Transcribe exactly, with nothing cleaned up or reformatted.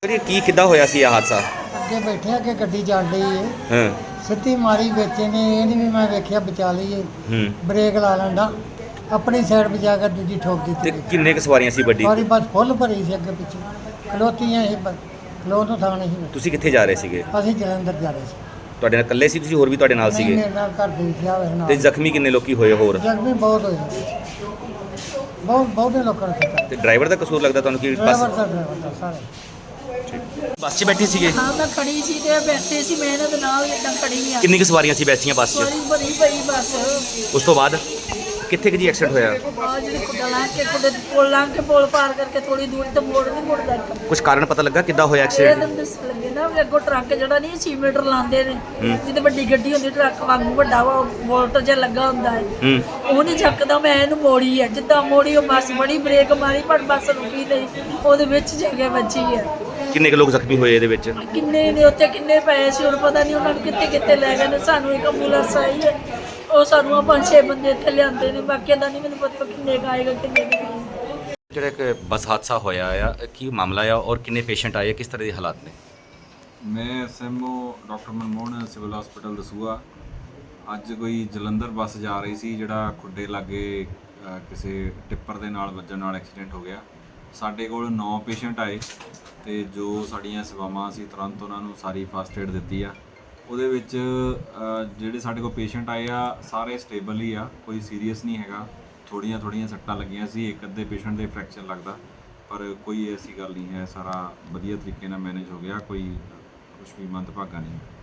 ਭਾਜੀ ਕੀ ਕਿੱਦਾਂ ਹੋਇਆ ਸੀ ਇਹ ਹਾਦਸਾ? ਅੱਗੇ ਬੈਠੇ ਅੱਗੇ ਗੱਡੀ ਚੱਲ ਰਹੀ ਹੈ, ਹਾਂ ਸਿੱਧੀ ਮਾਰੀ ਵਿੱਚ ਨੇ, ਇਹ ਨਹੀਂ ਵੀ ਮੈਂ ਵੇਖਿਆ ਬਚਾ ਲਈਏ, ਹੂੰ ਬ੍ਰੇਕ ਲਾ ਲੈਂਦਾ, ਆਪਣੀ ਸਾਈਡ ਬਚਾ ਕੇ ਦੂਜੀ ਠੋਕ ਤੇ ਦਿੱਤੀ। ਕਿੰਨੇ ਕੁ ਸਵਾਰੀਆਂ ਸੀ ਵੱਡੀ? ਸਾਰੀ ਬੱਸ ਫੁੱਲ ਭਰੀ ਸੀ, ਅੱਗੇ ਪਿੱਛੇ ਖਲੋਤੀਆਂ ਸੀ, ਖਲੋ ਤੋਂ ਥਾਂ ਨਹੀਂ ਸੀ। ਤੁਸੀਂ ਕਿੱਥੇ ਜਾ ਰਹੇ ਸੀਗੇ? ਅਸੀਂ ਜਲੰਧਰ ਜਾ ਰਹੇ ਸੀ। ਤੁਹਾਡੇ ਨਾਲ ਇਕੱਲੇ ਸੀ ਤੁਸੀਂ, ਹੋਰ ਵੀ ਤੁਹਾਡੇ ਨਾਲ ਨਹੀਂ, ਸੀਗੇ? ਮੇਰੇ ਨਾਲ ਘਰ ਦੇ ਵਿੱਚ ਆਵੇ ਨਾਲ। ਤੇ ਜ਼ਖਮੀ ਕਿੰਨੇ ਲੋਕੀ ਹੋਏ ਹੋਰ? ਜ਼ਖਮੀ ਬਹੁਤ ਹੋਏ, ਬਹੁਤ ਬਹੁਤੇ ਲੋਕਾਂ ਨੇ। ਤੇ ਡਰਾਈਵਰ ਦਾ ਕਸੂਰ ਲੱਗਦਾ ਤੁਹਾਨੂੰ ਕਿ ਡਰਾਈਵਰ ਬੱਸ ਦਾ ਡਰਾਈਵਰ ਦਾ ਸਾਰੇ ਬੱਸ 'ਚ ਬੈਠੇ ਸੀਗੇ? ਹਾਂ ਮੈਂ ਖੜੀ ਸੀ ਤੇ ਬੈਠੇ ਸੀ, ਮੈਂ ਇਹਨਾਂ ਦੇ ਨਾਲ ਇਦਾਂ ਖੜੀ ਆ। ਕਿੰਨੀ ਕੁ ਸਵਾਰੀਆਂ ਸੀ ਬੈਠੀਆਂ ਬੱਸ 'ਚ? ਸੋਰੀ ਭਰੀ ਪਈ ਬੱਸ। ਉਸ ਤੋਂ ਬਾਅਦ ਕਿੱਥੇ ਕਿ ਜੀ ਐਕਸੀਡੈਂਟ ਹੋਇਆ? ਆ ਜਿਹੜੀ ਕੁੱਡਾ ਲਾਂ ਕੇ ਕੁੱਡੇ ਪੁੱਲ ਲਾਂ ਕੇ ਪੁੱਲ ਪਾਰ ਕਰਕੇ ਥੋੜੀ ਦੂਰ ਤੇ ਮੋੜ ਨਹੀਂ ਮੁੜਦਾ ਇੱਕ। ਕੁਝ ਕਾਰਨ ਪਤਾ ਲੱਗਾ ਕਿੱਦਾਂ ਹੋਇਆ ਇਹ ਐਕਸੀਡੈਂਟ? ਤਾਂ ਦੱਸ ਲੱਗੇ ਨਾ ਵੀ ਅੱਗੋਂ ਟਰੱਕ ਜਿਹੜਾ ਨਹੀਂ ਛੇ ਮੀਟਰ ਲਾਉਂਦੇ ਨੇ, ਜਿੱਤੇ ਵੱਡੀ ਗੱਡੀ ਹੁੰਦੀ ਟਰੱਕ ਵਾਂਗੂ ਵੱਡਾ ਵਾ ਵੋਲਟ ਜਿਹਾ ਲੱਗਾ ਹੁੰਦਾ ਹੈ, ਹੂੰ ਉਹ ਨਹੀਂ ਚੱਕਦਾ। ਮੈਂ ਇਹਨੂੰ ਮੋੜੀ ਹੈ, ਜਿੱਦਾਂ ਮੋੜੀ ਉਹ ਬੱਸ ਬੜੀ ਬ੍ਰੇਕ ਮਾਰੀ ਪਰ ਬੱਸ ਰੁਕੀ ਨਹੀਂ, ਉਹਦੇ ਵਿੱਚ ਜਗ੍ਹਾ ਵੱਜੀ ਹੈ। ਕਿੰਨੇ ਕੁ ਲੋਕ ਜ਼ਖਮੀ ਹੋਏ ਇਹਦੇ ਵਿੱਚ? ਕਿੰਨੇ ਨੇ ਉੱਥੇ ਕਿੰਨੇ ਪਏ ਸੀ ਹੁਣ ਪਤਾ ਨਹੀਂ, ਉਹਨਾਂ ਨੂੰ ਕਿੱਥੇ ਕਿੱਥੇ ਲੈ ਗਏ ਨੇ। ਸਾਨੂੰ ਇੱਕ ਐਂਬੂਲੈਂਸ ਆਈ ਹੈ, ਉਹ ਸਾਨੂੰ ਆ ਪੰਜ ਛੇ ਬੰਦੇ ਇੱਥੇ ਲਿਆਂਦੇ ਨੇ, ਬਾਕੀਆਂ ਦਾ ਨਹੀਂ ਮੈਨੂੰ ਪਤਾ ਕਿੰਨੇ ਕੁ ਆਏਗਾ ਕਿੰਨੇ ਕੁ ਨਹੀਂ। ਜਿਹੜਾ ਇੱਕ ਬੱਸ ਹਾਦਸਾ ਹੋਇਆ ਆ, ਕੀ ਮਾਮਲਾ ਆ ਔਰ ਕਿੰਨੇ ਪੇਸ਼ੈਂਟ ਆਏ, ਕਿਸ ਤਰ੍ਹਾਂ ਦੇ ਹਾਲਾਤ ਨੇ? ਮੈਂ S M O doctor Manmohan civil hospital Dasuya. ਅੱਜ ਕੋਈ ਜਲੰਧਰ ਬੱਸ ਜਾ ਰਹੀ ਸੀ, ਜਿਹੜਾ ਖੁੱਡੇ ਲਾਗੇ ਅ, ਕਿਸੇ ਟਿੱਪਰ ਦੇ ਨਾਲ ਵੱਜਣ ਨਾਲ ਐਕਸੀਡੈਂਟ ਹੋ ਗਿਆ। ਸਾਡੇ ਕੋਲ ਨੌ ਪੇਸ਼ੈਂਟ ਆਏ ਤੇ ਜੋ ਸਾਡੀਆਂ ਸੇਵਾਵਾਂ ਸੀ ਤੁਰੰਤ ਉਹਨਾਂ ਨੂੰ ਸਾਰੀ ਫਸਟ ਏਡ ਦਿੱਤੀ ਆ। ਉਹਦੇ ਵਿੱਚ ਅ, ਜਿਹੜੇ ਸਾਡੇ ਕੋਲ ਪੇਸ਼ੈਂਟ ਆਏ ਆ ਸਾਰੇ ਸਟੇਬਲ ਹੀ ਆ, ਕੋਈ ਸੀਰੀਅਸ ਨਹੀਂ ਹੈਗਾ। ਥੋੜ੍ਹੀਆਂ ਥੋੜ੍ਹੀਆਂ ਸੱਟਾਂ ਲੱਗੀਆਂ ਸੀ, ਇੱਕ ਅੱਧੇ ਪੇਸ਼ੈਂਟ ਦੇ ਫ੍ਰੈਕਚਰ ਲੱਗਦਾ, ਪਰ ਕੋਈ ਐਸੀ ਗੱਲ ਨਹੀਂ ਹੈ, ਸਾਰਾ ਵਧੀਆ ਤਰੀਕੇ ਨਾਲ ਮੈਨੇਜ ਹੋ ਗਿਆ, ਕੋਈ ਕੁਛ ਵੀ ਮੰਦਭਾਗਾ ਨਹੀਂ।